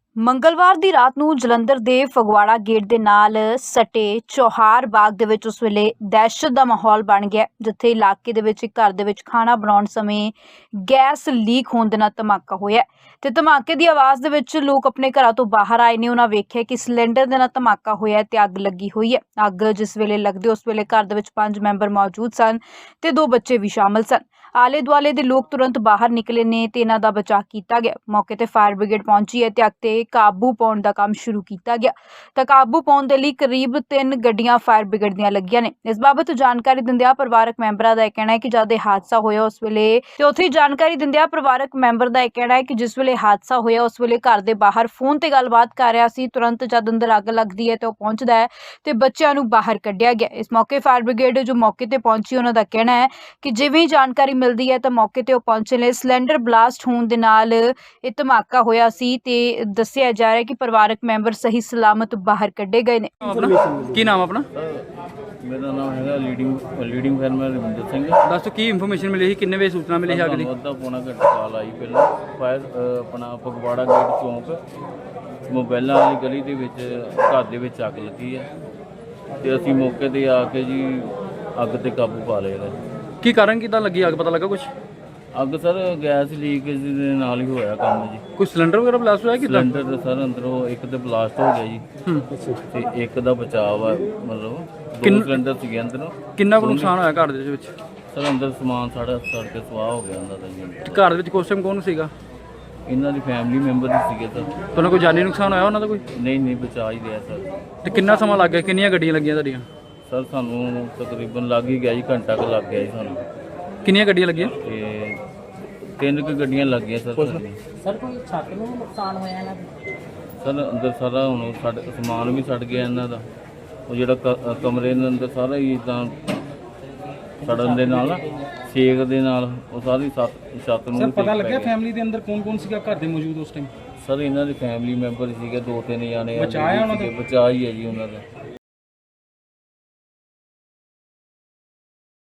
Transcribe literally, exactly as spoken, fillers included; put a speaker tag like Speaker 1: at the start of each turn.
Speaker 1: ਮੰਗਲਵਾਰ ਦੀ ਰਾਤ ਨੂੰ ਜਲੰਧਰ ਦੇ ਫਗਵਾੜਾ ਗੇਟ ਦੇ ਨਾਲ ਸਟੇ ਚੌਹਾਰ ਬਾਗ ਦੇ ਵਿੱਚ ਉਸ ਵੇਲੇ ਦਹਿਸ਼ਤ ਦਾ ਮਾਹੌਲ ਬਣ ਗਿਆ, ਜਿੱਥੇ ਇਲਾਕੇ ਦੇ ਵਿੱਚ ਇੱਕ ਘਰ ਦੇ ਵਿੱਚ ਖਾਣਾ ਬਣਾਉਣ ਸਮੇਂ ਗੈਸ ਲੀਕ ਹੋਣ ਦੇ ਨਾਲ ਧਮਾਕਾ ਹੋਇਆ ਤੇ ਧਮਾਕੇ ਦੀ ਆਵਾਜ਼ ਦੇ ਵਿੱਚ ਲੋਕ ਆਪਣੇ ਘਰਾਂ ਤੋਂ ਬਾਹਰ ਆਏ ਨੇ। ਉਹਨਾਂ ਵੇਖਿਆ ਕਿ ਸਿਲੰਡਰ ਦੇ ਨਾਲ ਧਮਾਕਾ ਹੋਇਆ ਤੇ ਅੱਗ ਲੱਗੀ ਹੋਈ ਹੈ। ਅੱਗ ਜਿਸ ਵੇਲੇ ਲੱਗਦੀ ਉਸ ਵੇਲੇ ਘਰ ਦੇ ਵਿੱਚ ਪੰਜ ਮੈਂਬਰ ਮੌਜੂਦ ਸਨ ਤੇ ਦੋ ਬੱਚੇ ਵੀ ਸ਼ਾਮਲ ਸਨ। ਆਲੇ ਦੁਆਲੇ ਦੇ ਲੋਕ ਤੁਰੰਤ ਬਾਹਰ ਨਿਕਲੇ ਨੇ ਤੇ ਇਹਨਾਂ ਦਾ ਬਚਾਅ ਕੀਤਾ ਗਿਆ। ਮੌਕੇ ਤੇ ਫਾਇਰ ਬ੍ਰਿਗੇਡ ਪਹੁੰਚੀ ਹੈ ਤੇ ਅੱਗ ਤੇ ਕਾਬੂ ਪਾਉਣ ਦਾ ਕੰਮ ਸ਼ੁਰੂ ਕੀਤਾ ਗਿਆ। ਤਾਂ ਕਾਬੂ ਪਾਉਣ ਦੇ ਲਈ ਕਰੀਬ ਤਿੰਨ ਗੱਡੀਆਂ ਫਾਇਰ ਬ੍ਰਿਗੇਡ ਦੀਆਂ ਲੱਗੀਆਂ ਨੇ। ਇਸ ਬਾਬਤ ਜਾਣਕਾਰੀ ਦਿੰਦਿਆਂ ਪਰਿਵਾਰਕ ਮੈਂਬਰਾਂ ਦਾ ਇਹ ਕਹਿਣਾ ਹੈ ਕਿ ਜਦ ਇਹ ਹਾਦਸਾ ਹੋਇਆ ਉਸ ਵੇਲੇ ਤੇ ਉੱਥੇ ਜਾਣਕਾਰੀ ਦਿੰਦਿਆਂ ਪਰਿਵਾਰਕ ਮੈਂਬਰ ਦਾ ਇਹ ਕਹਿਣਾ ਹੈ ਕਿ ਜਿਸ ਵੇਲੇ ਹਾਦਸਾ ਹੋਇਆ ਉਸ ਵੇਲੇ ਘਰ ਦੇ ਬਾਹਰ ਫੋਨ ਤੇ ਗੱਲਬਾਤ ਕਰ ਰਿਹਾ ਸੀ। ਤੁਰੰਤ ਜਦ ਅੰਦਰ ਅੱਗ ਲੱਗਦੀ ਹੈ ਤੇ ਉਹ ਪਹੁੰਚਦਾ ਹੈ ਤੇ ਬੱਚਿਆਂ ਨੂੰ ਬਾਹਰ ਕੱਢਿਆ ਗਿਆ। ਇਸ ਮੌਕੇ ਫਾਇਰ ਬ੍ਰਿਗੇਡ ਜੋ ਮੌਕੇ ਤੇ ਪਹੁੰਚੀ ਉਹਨਾਂ ਦਾ ਕਹਿਣਾ ਹੈ ਕਿ ਜਿਵੇਂ ਹੀ ਜਾਣਕਾਰੀ ਮਿਲਦੀ ਹੈ ਤਾਂ ਮੌਕੇ ਤੇ ਉਹ ਪਹੁੰਚੇ ਨੇ। ਸਿਲੰਡਰ ਬਲਾਸਟ ਹੋਣ ਦੇ ਨਾਲ ਇਹ ਧਮਾਕਾ ਹੋਇਆ ਸੀ ਤੇ ਦੱਸਿਆ ਜਾ ਰਿਹਾ ਕਿ ਪਰਿਵਾਰਕ ਮੈਂਬਰ ਸਹੀ ਸਲਾਮਤ ਬਾਹਰ ਕੱਢੇ ਗਏ ਨੇ।
Speaker 2: ਕੀ ਨਾਮ ਆਪਣਾ?
Speaker 3: ਮੇਰਾ ਨਾਮ ਹੈਗਾ leading leading fireman Ravinder Singh.
Speaker 2: ਦੱਸੋ ਕੀ ਇਨਫੋਰਮੇਸ਼ਨ ਮਿਲੀ ਸੀ, ਕਿੰਨੇ ਵਜੇ ਸੂਚਨਾ ਮਿਲੀ ਸੀ ਅੱਗ ਦੀ?
Speaker 3: ਅੱਧਾ ਪੌਣਾ ਘੰਟਾ ਕਾਲ ਆਈ ਪਹਿਲਾਂ ਫਾਇਰ ਆਪਣਾ ਫਗਵਾੜਾ ਗੇਟ ਚੌਂਕ ਮੋਬਾਈਲਾਂ ਵਾਲੀ ਗਲੀ ਦੇ ਵਿੱਚ ਘਰ ਦੇ ਵਿੱਚ ਅੱਗ ਲੱਗੀ ਹੈ ਤੇ ਅਸੀਂ ਮੌਕੇ ਤੇ ਆ ਕੇ ਜੀ ਅੱਗ ਤੇ ਕਾਬੂ ਪਾ ਲਿਆ।
Speaker 2: ਕੀ ਕਾਰਨ ਕਿੱਦਾਂ ਲੱਗੀ ਅੱਗ, ਪਤਾ ਲੱਗਾ ਕੁਝ?
Speaker 3: ਅੱਗ ਸਰ ਗੈਸ ਲੀਕੇਜ ਦੇ ਨਾਲ ਹੀ ਹੋਇਆ ਕੰਮ ਜੀ।
Speaker 2: ਕੋਈ ਸਿਲੰਡਰ ਵਗੈਰਾ ਬਲਾਸਟ ਹੋਇਆ ਕਿੱਦਾਂ?
Speaker 3: ਸਿਲੰਡਰ ਸਰ ਅੰਦਰੋਂ ਇੱਕ ਤੇ ਬਲਾਸਟ ਹੋ ਗਿਆ ਜੀ ਤੇ ਇੱਕ ਦਾ ਬਚਾਅ ਆ, ਮਤਲਬ ਦੋ ਸਿਲੰਡਰ ਸੀਗੇ ਅੰਦਰੋਂ।
Speaker 2: ਕਿੰਨਾ ਕੁ ਨੁਕਸਾਨ ਹੋਇਆ ਘਰ ਦੇ ਵਿੱਚ?
Speaker 3: ਸਰ ਅੰਦਰ ਸਮਾਨ ਸਾਡਾ ਸੜ ਕੇ ਸਵਾਹ ਹੋ ਗਿਆ ਉਹਨਾਂ ਦਾ ਜੀ।
Speaker 2: ਤੇ ਘਰ ਦੇ ਵਿੱਚ ਕੁਛ ਟਾਈਮ ਕੌਣ ਸੀਗਾ?
Speaker 3: ਇਹਨਾਂ ਦੀ ਫੈਮਿਲੀ ਮੈਂਬਰ ਹੀ ਸੀਗੇ ਸਰ।
Speaker 2: ਤੁਹਾਨੂੰ ਕੋਈ ਜਾਨੀ ਨੁਕਸਾਨ ਹੋਇਆ ਉਹਨਾਂ ਦਾ ਕੋਈ?
Speaker 3: ਨਹੀਂ ਨਹੀਂ ਬਚਾ ਹੀ ਰਿਹਾ ਸਰ।
Speaker 2: ਤੇ ਕਿੰਨਾ ਸਮਾਂ ਲੱਗ ਗਿਆ, ਕਿੰਨੀਆਂ ਗੱਡੀਆਂ ਲੱਗੀਆਂ ਤੁਹਾਡੀਆਂ?
Speaker 3: ਸਰ ਸਾਨੂੰ ਤਕਰੀਬਨ ਲੱਗ ਹੀ ਗਿਆ ਜੀ, ਘੰਟਾ ਕੁ ਲੱਗ ਗਿਆ ਜੀ ਸਾਨੂੰ।
Speaker 2: ਕਿੰਨੀਆਂ ਗੱਡੀਆਂ ਲੱਗੀਆਂ?
Speaker 3: ਤੇ ਤਿੰਨ ਕੁ ਗੱਡੀਆਂ ਲੱਗ ਗਈਆਂ ਸਰ।
Speaker 4: ਸਰ ਕੋਈ ਛੱਤ ਨੂੰ ਨੁਕਸਾਨ ਹੋਇਆ ਇਹਨਾਂ ਦਾ?
Speaker 3: ਸਰ ਅੰਦਰ ਸਾਰਾ ਹੁਣ ਸਾਡੇ ਸਮਾਨ ਵੀ ਸੜ ਗਿਆ ਇਹਨਾਂ ਦਾ। ਉਹ ਜਿਹੜਾ ਕ- ਕਮਰੇ ਦੇ ਅੰਦਰ ਸਾਰਾ ਹੀ ਇੱਦਾਂ ਸੜਨ ਦੇ ਨਾਲ, ਸੇਕ ਦੇ ਨਾਲ ਉਹ ਸਾਰੀ ਛੱਤ ਛੱਤ ਨੂੰ
Speaker 5: ਸਰ ਪਤਾ ਲੱਗਿਆ ਫੈਮਿਲੀ ਦੇ ਅੰਦਰ ਕੌਣ ਕੌਣ ਸੀਗਾ ਘਰ ਦੇ ਮੌਜੂਦ ਉਸ ਟਾਈਮ?
Speaker 3: ਸਰ ਇਹਨਾਂ ਦੇ ਫੈਮਿਲੀ ਮੈਂਬਰ ਸੀਗੇ ਦੋ ਤਿੰਨ ਜਾਣੇ।
Speaker 5: ਬਚਾਅ ਹੈ ਉਹਨਾਂ ਦਾ?
Speaker 3: ਬਚਾ ਹੀ ਹੈ ਜੀ ਉਹਨਾਂ ਦਾ।